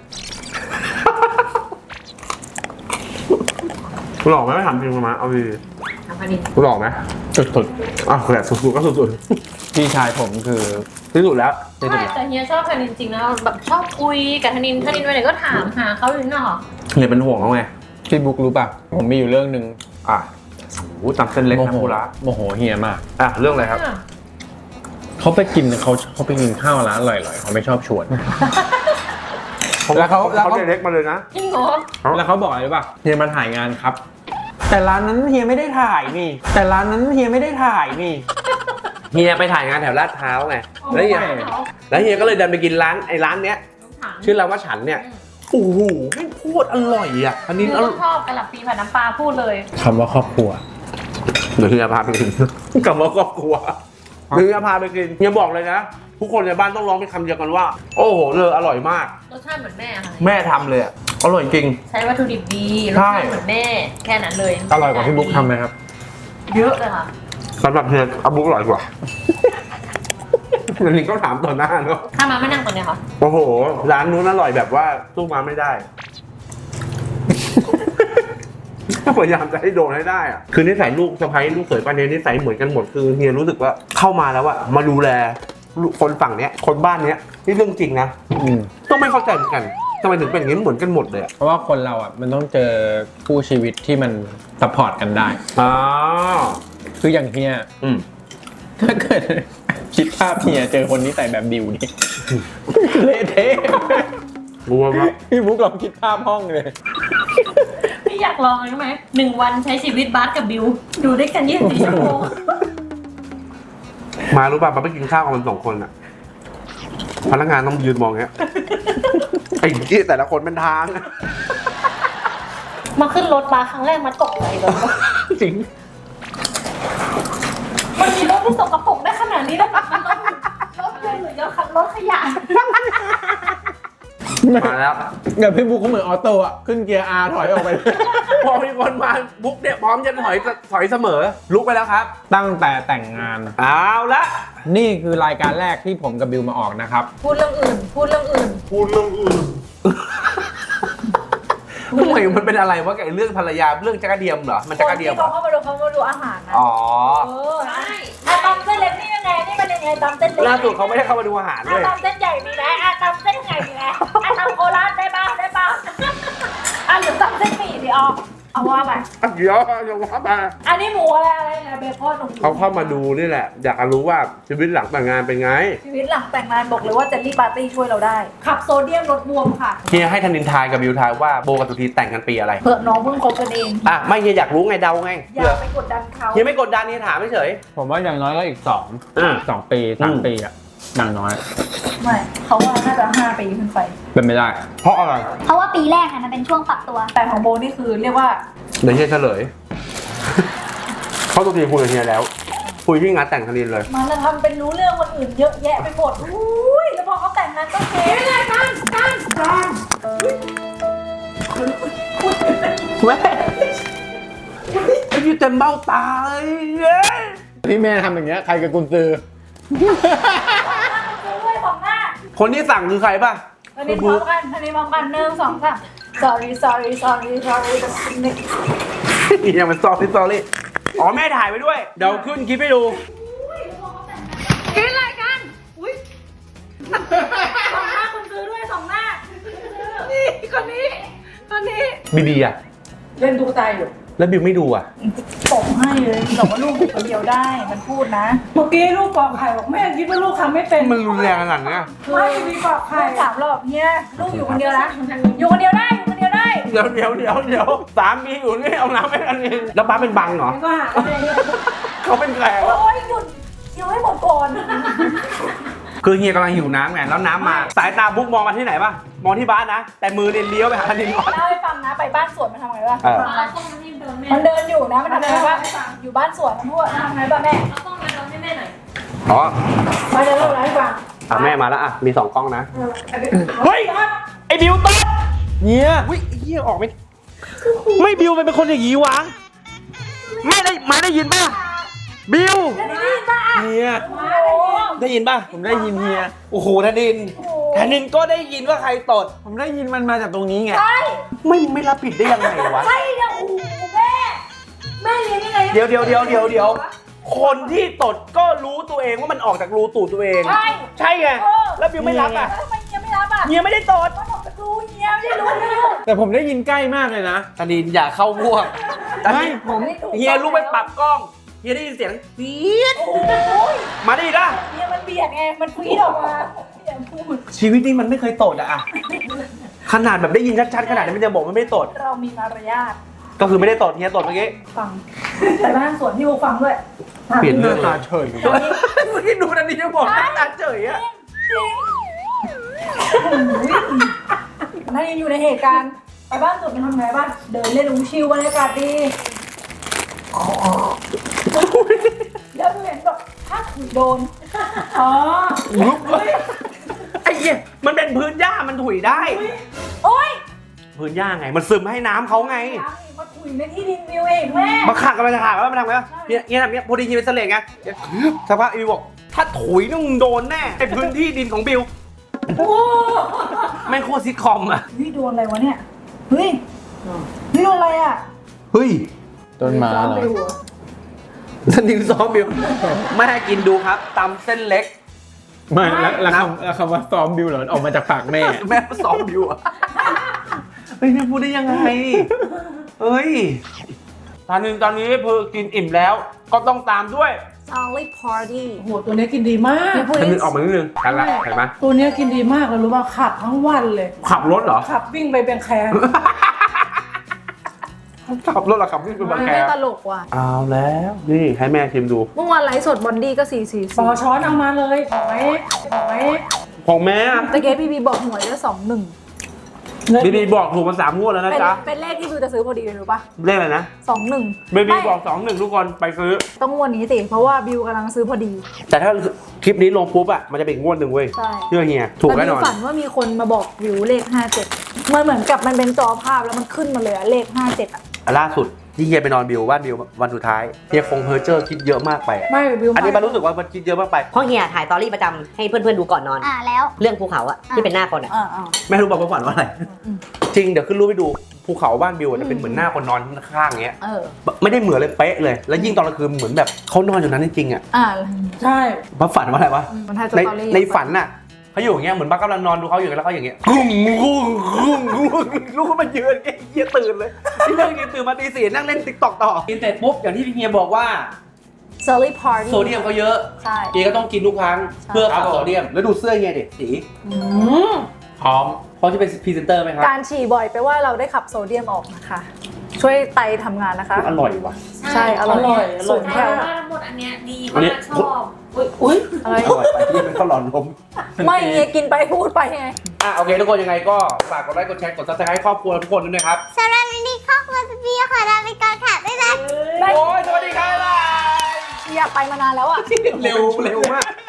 Speaker 1: หล่อไหมไม่ถามจริงมาเอาดี
Speaker 2: ทำพนิน
Speaker 1: หล่อไหม
Speaker 4: สุด
Speaker 1: อ้าวแหละสุดๆก็สุด
Speaker 4: ๆพี่ชายผมคือ
Speaker 1: ๆที่สุดแล้วที่สุด
Speaker 2: ใช่
Speaker 1: แล้ว
Speaker 2: แต่เฮียชอบพนินจริงนะแบบชอบคุยกับธนินธนินไปไหนก็ถามหาเขาอยู่นี่หรอ
Speaker 1: เฮียเป็นห่วงเขาไง
Speaker 4: พี่บุ๊กรู้ป่ะผมมีอยู่เรื่องหนึ่ง
Speaker 1: อ่ะโอ้ตำเส้นเล็ก
Speaker 4: โม
Speaker 1: นะ
Speaker 4: โห
Speaker 1: พูระ
Speaker 4: โมโหเฮียมาก
Speaker 1: อ่ะเรื่องอะไรครับ
Speaker 4: เขาไปกินเขาเขาไปกินข้าวร้านอร่อยๆเขาไม่ชอบชวน แล้วเขาแล้ว
Speaker 1: เขา
Speaker 4: เขา
Speaker 1: เล็กมาเลยนะ
Speaker 2: จริงเหรอ
Speaker 4: แล้วเขาบอกอะไรป่ะเฮียมาถ่ายงานครับ แต่ร้านนั้นเฮียไม่ได้ถ่ายนี่ แต่ร้านนั้นเฮียไม่ได้ถ่ายนี่
Speaker 1: เฮียไปถ่ายงานแถวลาดพร้าวไงแล้วเฮียแล้วเฮียก็เลยเดินไปกินร้านไอ้ร้านเนี้ย
Speaker 2: ถาม
Speaker 1: ชื่อร้านว่าฉันเนี่ยโอ้โหไม่พูดอร่อยอ่ะอันนี้
Speaker 2: คือ
Speaker 1: อร่
Speaker 2: ต้
Speaker 1: อ
Speaker 2: อย งชอบกะหล่ำปีผัดน้ำปลาพูดเลย
Speaker 4: คำว่าครอบครัว
Speaker 1: เดี๋ยวเฮียพาไปกินกับว่าครอบครัวเฮียพาไปกินเฮียบอกเลยนะทุกคนในบ้านต้องร้องเป็นคำเดียวกันว่า โอ้โหเลยอร่อยมาก
Speaker 2: รสชาติเหมือนแม่ค่ะ
Speaker 1: แม่ทำเลยอ่ะอร่อยจริง
Speaker 2: ใช้วัตถุดิบดีรส
Speaker 1: ใช่
Speaker 2: ชาติเหมือนแม่แค่นั้นเลย
Speaker 4: อร่อยกว่าพี่บุ๊กทำไหมครับ
Speaker 2: เยอะเลยค่ะ
Speaker 1: สำหรับเฮียอาบุ๊กอร่อยกว่าอันนี้ก็ถามต่อหน้าเนาะ
Speaker 2: ถ้ามาไม่นั่งตรงเนี้ยค่ะ
Speaker 1: โอ้โหร้านนู้นอร่อยแบบว่าสู้มาไม่ได้ พยายามจะให้โดนให้ได้อะคือนิสัยลูกสะใภ้ลูกเขยป้าเนยนิสัยเหมือนกันหมดคือเฮียรู้สึกว่าเข้ามาแล้วอะมาดูแลคนฝั่งเนี้ยคนบ้านเนี้ยนี่เรื่องจริงนะ
Speaker 4: อืม
Speaker 1: ต้องไม่เข้าใจเหมือนกันทำไมถึงเป็นอย่างนี้เหมือนกันหมดเลยอะ
Speaker 4: เพราะว่าคนเราอ่ะมันต้องเจอคู่ชีวิตที่มันซัพพอร์ตกันได้
Speaker 1: อ๋อ
Speaker 4: คืออย่างเฮีย
Speaker 1: อืม
Speaker 4: ถ้าเกิด คิดภาพเฮียเจอคนนี้ใส่แบบดิวนี่ เละเทะ
Speaker 1: รู้ว่า
Speaker 4: พี่บุ๊กลองคิดภาพห้องเลย
Speaker 2: พี่อยากลองเลยไหมหนึ่งวันใช้ชีวิตบาสกับบิวดูด้วยกันยี่สิบสี่ชั่วโมง
Speaker 1: มารู้ป่ะมาไปกินข้าวกับมันสองคนอะพนักงานต้องยืนมองเงี้ยไอ้ที่แต่ละคนเป็นทาง
Speaker 2: มาขึ้นรถบาสครั้งแรกมาตกใจเลย
Speaker 1: จริง
Speaker 2: มันมีรถที่สกปรกได้ขนาดนี้ได้ไหมรถรถยนต์หรือรถขยะ
Speaker 1: มาแล้ว
Speaker 4: เดี๋ยวพี่บุ๊กเขาเหมือนออโต้อะขึ้นเกียร์ R ถอยออกไป
Speaker 1: พอมีคนมาบุ๊กเนี่ยพร้อมจะถอยถอยเสมอ ลุกไปแล้วครับ
Speaker 4: ตั้งแต่แต่งงาน
Speaker 1: เอาละ
Speaker 4: นี่คือรายการแรกที่ผมกับบิวมาออกนะครับ
Speaker 2: พูดเรื่องอื่น พูดเรื่องอื่น
Speaker 1: พูดเรื่องอื่นทำไมมันเป็นอะไรวะกับไอ้เรื่องภรรยาเรื่องจักรเดียมเหรอมันจักรเดียม
Speaker 7: ที่
Speaker 1: เหร
Speaker 7: เขา
Speaker 1: อ
Speaker 7: เข้ามาดูเขามาดูอาหารนะ
Speaker 1: อ๋อ
Speaker 7: เออ
Speaker 2: ใช่
Speaker 7: อ่ะตำเส้นเล็กนี่ยังไงนี่มันยังไงตำเส้นเล็ก
Speaker 1: ล่าสุดเขาไม่ได้เข้ามาดูอาหารเล
Speaker 7: อ่ะ
Speaker 1: ย
Speaker 7: ตำเส้นใหญ่มีไหมอ่ะตำเส้นใหญ่มีไหมอ่ะตำโคราชได้ป่ะได้ป่ะอ่ะหรือตำเส้นหมี่ดิอ๋อเอาว่าไป
Speaker 1: เดี๋ยวเดี๋ยวว่ามา
Speaker 7: อันนี้หมูอะไรอะไรนะเบคอนหมู
Speaker 1: เขาเข้ามาดูนี่แหละ อยากจะรู้ว่าชีวิตหลังแต่งงานเป็นไง
Speaker 7: ชีวิตหลังแต่งงานบอกเลยว่าเจลลี่ปาร์ตี้ช่วยเราได้ขับโซเดียมลดบวมค่ะ
Speaker 1: เฮียให้ธนินทายกับบิวทายว่าโบกับตุทีแต่งกันปีอะไร
Speaker 7: เผื่อน้องเพิ่งคบกันเอง
Speaker 1: อ่ะไม่เฮียอยากรู้ไงเดาไง
Speaker 7: อย่า
Speaker 1: เผื่อ
Speaker 7: ไปกดดันเขา
Speaker 1: เฮียไม่กดดันเฮียถามเฉย
Speaker 4: ผมว่าอย่างน้อยก็อีกสอง
Speaker 1: อืม
Speaker 4: สองปีสาม
Speaker 1: อืม
Speaker 4: ปีอะอย่างน้อย
Speaker 7: ไม่เขาว่าน่าจะห้าปีขึ้นไป
Speaker 4: เป็นไม่ได้
Speaker 1: เพราะอะไร
Speaker 3: เพราะว่าปีแรกอะมันเป็นช่วงปรับตัว
Speaker 7: แต่ของโบนี่คือเรียกว่า
Speaker 1: เดี๋ยวเฮียเฉลย เขาตุทีคุยกับเฮียแล้ว คุยที่งานแต่งธนินเลย
Speaker 7: มันจะทำเป็นรู้เรื่องคนอื่นเยอะแยะไปหมดอุ้ยแล้วพอเขาแต่งงานก็เทไม่ได้กันกันกัน
Speaker 1: แม่ไอ้ยี่เต็มเบ้าตาเลยเย้ย
Speaker 4: ที่แม่ทำอย่างเงี้ยใครกับกุญซือ
Speaker 7: ด้วยสองหน้า
Speaker 1: คนที่สั่งคือใครป่ะ
Speaker 7: อันนี้พร้อมกันอันนี้พร้อมกันหนึ่งสองสาม sorry sorry sorry sorry
Speaker 1: ยังเป็นซอรี่ซอรี่อ๋อแม่ถ่ายไปด้วย เดี๋ยวขึ้นคลิปให้ดู
Speaker 7: กินอะไรกันอุ้ยสองหน้าคุณซื้อด้วยสองหน้านี่คนนี้คนนี้
Speaker 1: บีบีอ่ะ
Speaker 7: เล่นตุ๊กตาอยู่
Speaker 1: แล้วบิวไม่ดูอ่ะ
Speaker 7: ตบให้เลยบอกว่าลูกอยู่คนเดียวได้มันพูดนะเมื่อกี้ลูกปอกไข่บอกแม่คิดว่าลูกทำไม่เป็น
Speaker 1: มันรุนแรงขนาดเนี้ย
Speaker 7: ไม่มีปอกไข่สามรอบเนี่ยลูกอยู่คนเดียวนะอยู่คนเดียวได้อยู่คนเดียวได้
Speaker 1: เดี๋ยวเดี๋ยวเดี๋ยวเดี๋ยวสามีอยู่นี่เอาน้ำให้อันนี้แล้วป้าเป็นบังเหรอ
Speaker 7: มันก็หาอะไรเนี่ย
Speaker 1: เขาเป็นแขกวะ
Speaker 7: โอ้ยหยุดเดี๋ยวให้หมดก่อน
Speaker 1: คือเฮียกำลังหิวน้ำไงแล้วน้ำมา สายตาบุ๊กมองมาที่ไหนป่ะ มองที่บ้านนะ แต่มือเนี่ยเลี้ยวไปหาธนินก่อน
Speaker 7: เล่าให้ฟังนะไปบ้านสวนมันทำไงวะ
Speaker 1: เออ
Speaker 2: เอาต้องมาให้เดินแม่
Speaker 7: มันเดินอยู่นะมันทำไงวะอยู่บ้านสวนมันพูดว่าทำไงบ้างแม่
Speaker 2: เอาต้องมาเดินให้แม่หน่อย
Speaker 1: อ๋อ
Speaker 7: มาจะเล่าอะไรให้ฟัง
Speaker 1: อ่ะแม่มาแล้วอ่ะ มีสองกล้องนะ
Speaker 7: เอออันนี้
Speaker 1: เฮ้ย ไอ้บิวตด
Speaker 4: เนี่ย
Speaker 1: อุ้ยไอ้เฮียออกไม่ ไม่บิวมันเป็นคนอย่างนี้วะแม่ได้มาได้ยินป่ะบิว
Speaker 5: เฮีย
Speaker 1: ได้ยินป่ะ
Speaker 5: ผมได้ยินเฮีย
Speaker 1: โอ้โหธนินธนินก็ได้ยินว่าใครตด
Speaker 5: ผมได้ยินมันมาจากตรงนี้ไง
Speaker 1: ไม่ไม่รับผิดได้ยังไงวะ
Speaker 7: ใช่เนี่ยโอ้โหแม่ แม่เลี้ยงยังไง
Speaker 1: เดี๋ยวเดี๋ยวเดี๋ยวเดี๋ยวเดี๋ยวคนที่ตดก็รู้ตัวเองว่ามันออกจากรูตูดตัวเอง
Speaker 7: ใช่
Speaker 1: ใช่ไง
Speaker 7: เออ
Speaker 1: แล้วบิวไม่รับอ่ะ
Speaker 7: แล้วทำไมเฮียไม่รับอ่ะ
Speaker 1: เฮียไม่ได้ตด
Speaker 7: ก็บอกจะรู้เฮียไม่ได้รู้ไม่รู้
Speaker 5: แต่ผมได้ยินใกล้มากเลยนะ
Speaker 1: ธนินอย่าเข้าพวก
Speaker 5: ไม่ผม
Speaker 1: เฮียรู้ไปปรับกล้องเฮียได้ยินเสียงฟี๊ด
Speaker 7: โอ้ย
Speaker 1: มาได้ยินป่ะ
Speaker 7: เฮียมันเบียดไง มันฟีดออกมาเฮียพูด
Speaker 1: ชีวิตนี้มันไม่เคยตดอะอะขนาดแบบได้ยินชัดๆขนาดนี้มันจะบอกมันไม่ได้ตด
Speaker 7: เรามีมารยาท
Speaker 1: ก็คือไม่ได้ตดเฮียตดเมื่อกี้
Speaker 7: ฟังแต่บ้านสวนที่กูฟังด้วย
Speaker 1: เปลี่ยนเรื่อง
Speaker 5: ตาเฉย
Speaker 1: เมื่อกี้ดูนันนี่จะบอกหน้าตาเฉยอะ
Speaker 7: ถ้ายังอยู่ในเหตุการณ์ไปบ้านสวนมันทำไงบ้างเดินเล่นอุ้งชิวบรรยากาศดีแล้วเห็นแบบถ้าถูกโดนอ๋อ
Speaker 1: ไอ้เหี้ยมันเป็นพื้นหญ้ามันถุยได้
Speaker 7: โอ๊ย
Speaker 1: พื้นหญ้าไง มันซึมให้น้ำเขาไง
Speaker 7: มาถุยในที่ดินวิวเองแม่
Speaker 1: มาขักกันไปขักแล้วมันทำไงวะเนี่ยเนี่ยเนี่ยพอดีทีเป็นเสลงไงเดี๋ยวสักพักอีบอกถ้าถุยต้องโดนแน่ไอ้พื้นที่ดินของบิว
Speaker 7: โอ้
Speaker 1: แม่งโคตรซิทคอมอะ
Speaker 7: เฮ้ยโดนอะไรวะเนี่ยเฮ้ยเฮ้ยโดนอะไรอ่ะ
Speaker 1: เฮ้ย
Speaker 5: ต้นไม้เหรอ
Speaker 7: ไปหัว
Speaker 1: สนิมซ้อมบิวแม่กินดูครับตำเส้นเล็ก
Speaker 5: ไม่แล้วแล้วคำแล้วคำว่าซ้อมบิวเหรอออกมาจากปากแม่
Speaker 1: แม่ซ้อมบิวอะเฮ้ยเนี่ยพูดได้ยังไงเฮ้ยตอนนึงตอนนี้เพอกินอิ่มแล้ว ก็ต้องตามด้วย
Speaker 6: Solid Party
Speaker 9: โอ้โหตัวเนี้ยกินดีมาก
Speaker 1: ตอนนึงออกมานิดนึงทันละเห็นไหม
Speaker 9: ตัวเนี้ยกินดีมากเลยรู้ป่ะขับทั้งวันเลย
Speaker 1: ขับรถเหรอ
Speaker 9: ขับวิ่งไปแบงแคร์
Speaker 1: ขับรถเหรอขับวิ่งเป็นบางแค
Speaker 2: ไม่ตลกว่ะ
Speaker 1: เอาแล้วนี่ให้แม่ชิมดู
Speaker 2: เมื่อวานไลฟ์สดบอนดี้ก็สี่สี่
Speaker 9: ปอช้อนเอามาเลยขอไว้ขอไว้
Speaker 1: ของแม่อะ
Speaker 2: ตะเกียบพี่บีบอกหวยได้สองหนึ่ง
Speaker 1: บีบีบอกถูกมาสามงวดแล้วนะ
Speaker 2: เป็น
Speaker 1: จ๊ะ
Speaker 2: เป็นเลขที่บิวจะซื้อพอดีเลยรู้ปะ
Speaker 1: เลขอะไรนะ
Speaker 2: สองหนึ่ง
Speaker 1: บีบีบอกสองหนึ่งทุกคนไปซื้อ
Speaker 2: ต้องงวดนี้สิเพราะว่าบิวกำลังซื้อพอดี
Speaker 1: แต่ถ้าคลิปนี้ลงปุ๊บอะมันจะเป็นอีกงวดหนึ่งเว้ย
Speaker 2: ใช่
Speaker 1: เชื่อเฮียถูก
Speaker 2: แต่
Speaker 1: แน่
Speaker 2: บิ
Speaker 1: น
Speaker 2: ว
Speaker 1: อน
Speaker 2: ฝันว่ามีคนมาบอกบิวเลขห้าเจ็ดมันเหมือนกับมันเป็นจอภาพแล้วมันขึ้นมาเลยอะเลขห้าเจ็ดอะ
Speaker 1: ล่าสุดที่เฮียไปนอนบิวบ้านบิววันสุดท้ายเฮียคงเพอร์เจอร์คิดเยอะมากไปอะ
Speaker 9: ไม่บิว
Speaker 1: อันนี้มันรู้สึกว่ามันคิดเยอะมากไป
Speaker 6: เพราะเฮียถ่ายตอรี่ประจำให้เพื่อนๆดูก่อนนอน
Speaker 3: อ่าแล้ว
Speaker 6: เรื่องภูเขาอะที่เป็นหน้าคนอะ
Speaker 2: อ่าอ่า
Speaker 1: แม่รู้บอกว่าฝันว่าอะไร จริงเดี๋ยวขึ้นรูปไปดูภูเขาบ้านบิวอะจะเป็นเหมือนหน้าคนนอนข้างๆอย่างเงี้ย
Speaker 2: เออ
Speaker 1: ไม่ได้เหมือนเลยเป๊ะเลย แล้วยิ่งตอนกลางคืนเหมือนแบบเขานอนอยู่นั้นจริงๆอ่ะ
Speaker 2: อ่า
Speaker 9: ใช่
Speaker 1: มาฝันว่าอะไรวะ
Speaker 2: มันถ่ายส
Speaker 1: ใน
Speaker 2: ตอรี่
Speaker 1: ในฝันน่ะเขาอยู่อย่างเงี้ยเหมือนบ้ากำลังนอนดูเขาอยู่แล้วเขาอย่างเงี้ยกุ้งกุ้งกุ้งกุ้งลูกก็มายืนเฮียตื่นเลยที่เรื่องนี้ตื่นมาตีสี่นั่งเล่นติ๊กต็อกต่อกินเสร็จปุ๊บอย่างที่พี่เฮียบอกว่า
Speaker 2: เซอร์รี่พาร์ตี้
Speaker 1: โซเดียมเขาเยอะ
Speaker 2: ใช่
Speaker 1: เฮียก็ต้องกินทุกครั้ง
Speaker 2: ใช่
Speaker 1: เพื่อขับโซเดียมแล้วดูเสื้อเฮียดิสี
Speaker 9: อืม
Speaker 1: พร้อมพร้อมที่เป็นพรีเซนเตอร์ไหมครับ
Speaker 2: การฉี่บ่อยแปลว่าเราได้ขับโซเดียมออกนะคะ ช่วยไตทำงานนะคะ
Speaker 1: อร่อยว่ะ
Speaker 2: ใช่อร่อย
Speaker 9: อร่อยอร่อย
Speaker 2: สูง
Speaker 9: มา
Speaker 2: แค่
Speaker 9: ก
Speaker 2: ว่า
Speaker 7: ทั้งหมดอันเนี้ยดี
Speaker 1: อันนี้
Speaker 7: มากชอบอุ้ยอุ้ย
Speaker 2: อะไร
Speaker 1: อร่อยไปที่เป็นข้าวหลอนลม
Speaker 2: ไม่เฮียกินไปพูดไปไง
Speaker 1: อ่ะโอเคทุกคนยังไงก็ฝากกดไลค์กดแชร์กดซับสไครต์ครอบครัวทุกคนด้วยนะครับ
Speaker 3: สำหรับวันนี้ครอบครัวสปีขอลาไปก่อนค่ะบ๊ายบาย
Speaker 1: โอ้ยสวัสดีครับบ๊ายบาย
Speaker 2: อยากไปมานานแล้วอ่ะ
Speaker 1: เร็วเร็วมาก